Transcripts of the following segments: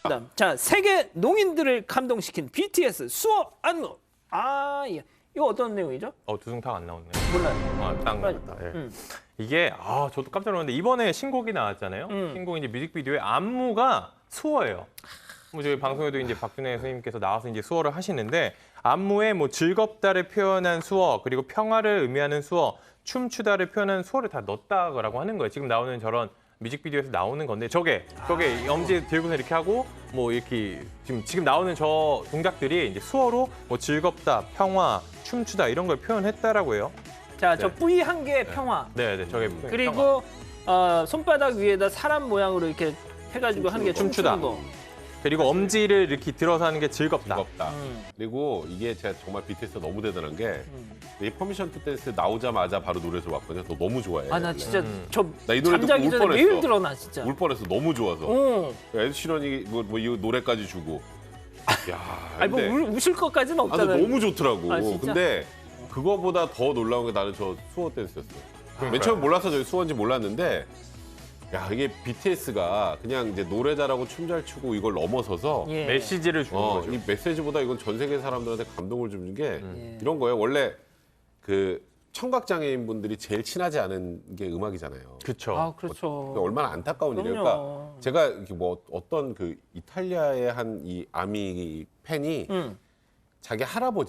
그다음, 자, 세계 농인들을 감동시킨 BTS 수어 안무. 예. 이거 어떤 내용이죠? 두둥탁 안 나오네. 몰라요. 딱 나왔다. 예. 이게 저도 깜짝 놀랐는데 이번에 신곡이 나왔잖아요. 신곡 이제 뮤직비디오의 안무가 수어예요. 뭐 저희 방송에도 이제 박준혜 선생님께서 나와서 이제 수어를 하시는데 안무에 뭐 즐겁다를 표현한 수어, 그리고 평화를 의미하는 수어, 춤추다를 표현한 수어를 다 넣었다고 하는 거예요. 지금 나오는 저런 뮤직비디오에서 나오는 건데 저게 엄지 들고서 이렇게 하고 뭐 이렇게 지금 나오는 저 동작들이 이제 수어로 뭐 즐겁다, 평화, 춤추다 이런 걸 표현했다라고 해요. 자, 저 네. 뿌이 한 개의 평화. 네, 저게 그리고 손바닥 위에다 사람 모양으로 이렇게 해가지고 하는 게 춤추다. 춤추는 거. 그리고 엄지를 이렇게 들어서 하는 게 즐겁다. 즐겁다. 그리고 이게 제가 정말 BTS가 너무 대단한 게 이 퍼미션 투 댄스 나오자마자 바로 노래 들어왔거든요. 저 너무 좋아해. 나 진짜 저 나 이 노래 듣고 잠자기 울 전에 뻔했어. 매일 들어 나 진짜. 울 뻔했어. 너무 좋아서. 어. 에드 시런이 뭐 이 노래까지 주고. 야, 아니 뭐 근데 우실 것까지는 근데 없잖아요. 너무 좋더라고. 아, 진짜? 근데 그거보다 더 놀라운 게 나는 저 수어 댄스였어요. 맨 처음 몰라서 저 수어인지 몰랐는데 야, 이게 BTS가 그냥 이제 노래 잘하고 춤 잘 추고 이걸 넘어서서 예. 메시지를 주는 거죠. 이 메시지보다 이건 전 세계 사람들한테 감동을 주는 게 예. 이런 거예요. 원래 그 청각장애인 분들이 제일 친하지 않은 게 음악이잖아요. 그렇죠. 그렇죠. 그러니까 얼마나 안타까운 일이에요. 그럼요. 그러니까 제가 이렇게 뭐 어떤 그 이탈리아의 한 이 아미 팬이 자기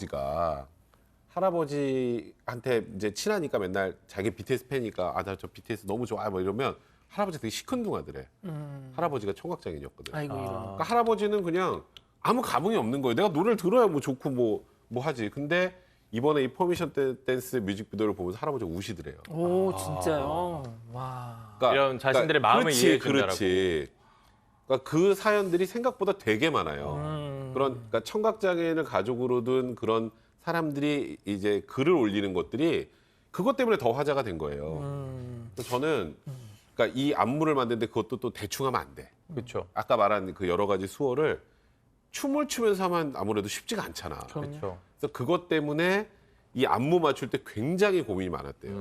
할아버지한테 이제 친하니까 맨날 자기 BTS 팬이니까 나 저 BTS 너무 좋아 뭐 이러면 할아버지 되게 시큰둥하더래. 할아버지가 청각장애인이었거든. 아이고 이런. 그러니까 할아버지는 그냥 아무 감흥이 없는 거예요. 내가 노래를 들어야 뭐 좋고 뭐 하지. 근데 이번에 이 퍼미션 댄스 뮤직비디오를 보면서 할아버지가 우시더래요. 오 진짜요. 와. 그러니까, 이런 자신들의 마음을 이해해 준다라고. 그렇지. 그러니까 그 사연들이 생각보다 되게 많아요. 그러니까 청각장애인을 가족으로 둔 그런 사람들이 이제 글을 올리는 것들이 그것 때문에 더 화제가 된 거예요. 그래서 저는 그러니까 이 안무를 만드는데 그것도 또 대충 하면 안 돼. 그렇죠. 아까 말한 그 여러 가지 수어를 춤을 추면서 하면 아무래도 쉽지가 않잖아. 그렇죠. 그래서 그것 때문에 이 안무 맞출 때 굉장히 고민이 많았대요.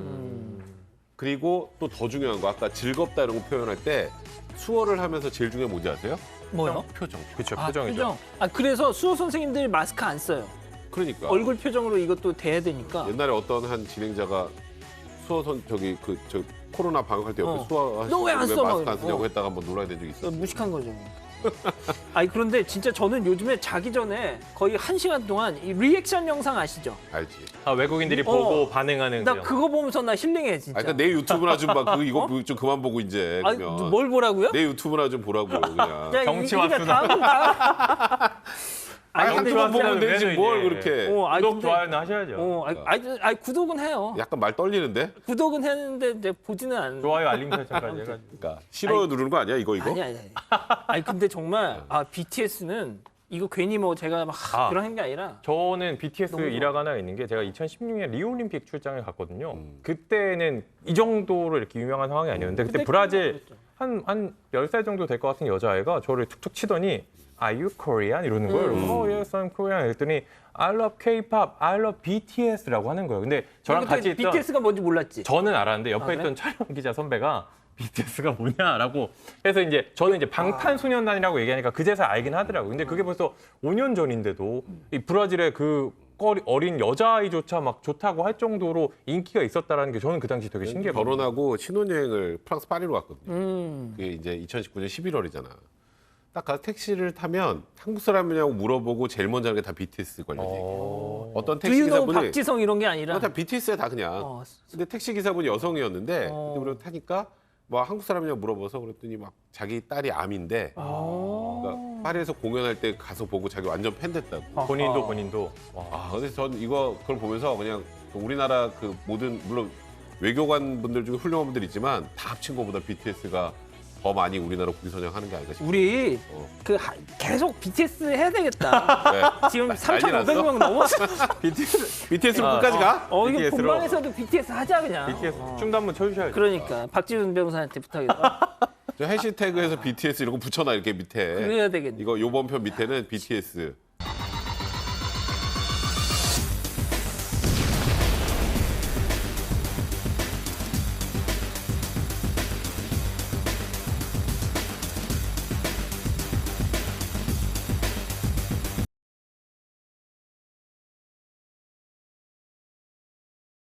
그리고 또 더 중요한 거 아까 즐겁다 이런 거 표현할 때 수어를 하면서 제일 중요한 게 뭔지 아세요? 뭐요? 표정. 그렇죠. 아, 표정이죠. 표정. 그래서 수호 선생님들이 마스크 안 써요. 그러니까 얼굴 표정으로 이것도 돼야 되니까. 옛날에 어떤 한 진행자가 수어선 저 코로나 방역할 때 옆에 어. 수어 너왜안 써? 마스크 안 막 쓰냐고 어. 했다가 한번 논란이 된 적이 있어. 무식한 거죠. 그런데 진짜 저는 요즘에 자기 전에 거의 1시간 동안 이 리액션 영상 아시죠? 알지. 외국인들이 보고 반응하는 나 그런. 그거 보면서 나 힐링해 진짜. 그러니까 내 유튜브나 좀 봐. 이거 좀 그만 보고 이제. 아니, 그러면. 뭘 보라고요? 내 유튜브나 좀 보라고 그냥. 야, 정치와 이게 수다. 다음. 아니, 근데 한두 번 진짜- 보면 되지 뭘 이제. 그렇게. 구독, 근데- 좋아요는 하셔야죠. 구독은 해요. 약간 말 떨리는데? 구독은 했는데 이제 보지는 않는. 좋아요, 알림 설정까지 해가지고. 그러니까 싫어요 누르는 거 아니야 이거? 아니 근데 정말 BTS는 이거 괜히 뭐 제가 막 그런 게 아니라 저는 BTS 너무 좋아. 일화가 하나 있는 게 제가 2016년 리우올림픽 출장을 갔거든요. 그때는 이 정도로 이렇게 유명한 상황이 아니었는데 그때 브라질 한 10살 정도 될 것 같은 여자아이가 저를 툭툭 치더니 Are you Korean? 이러는 거예요. Oh, yes, I'm Korean. 그랬더니 I love K-pop, I love BTS라고 하는 거예요. 근데 저랑 그때 같이 있던 BTS가 뭔지 몰랐지. 저는 알았는데 옆에 그래? 있던 촬영 기자 선배가 BTS가 뭐냐라고 해서 이제 저는 이제 방탄소년단이라고 얘기하니까 그제서야 알긴 하더라고요. 근데 그게 벌써 5년 전인데도 이 브라질의 그 어린 여자아이조차 막 좋다고 할 정도로 인기가 있었다라는 게 저는 그 당시 되게 신기했거든요. 결혼하고 신혼여행을 프랑스 파리로 갔거든요. 음. 그게 이제 2019년 11월이잖아. 딱 가서 택시를 타면 한국 사람이냐고 물어보고 제일 먼저 하는 게 다 BTS 관련 얘기. 어떤 택시 두유노 기사분이 박지성 이런 게 아니라 다 BTS야 다 그냥. 어. 근데 택시 기사분이 여성이었는데 어. 근데 우리가 타니까 뭐 한국 사람이냐고 물어봐서 그랬더니 막 자기 딸이 암인데 그러니까 파리에서 공연할 때 가서 보고 자기 완전 팬 됐다고. 본인도. 근데 전 그걸 보면서 그냥 우리나라 그 모든 물론 외교관 분들 중에 훌륭한 분들 있지만 다 합친 것보다 BTS가 더 많이 우리나라 국기 선양하는 게 아닌가 싶어요. 우리 계속 BTS 해야 되겠다. 네. 지금 난리 3,500명 넘었어. BTS로 끝까지 가? 이거 BTS 로. 본방에서도 BTS 하자 그냥. BTS 춤도 한번 춰주셔야죠. 그러니까 박지훈 변호사한테 부탁해서 저 해시태그에서 BTS 이런 거 붙여놔 이렇게 밑에. 그래야 되겠네. 이거 요번 편 밑에는 BTS.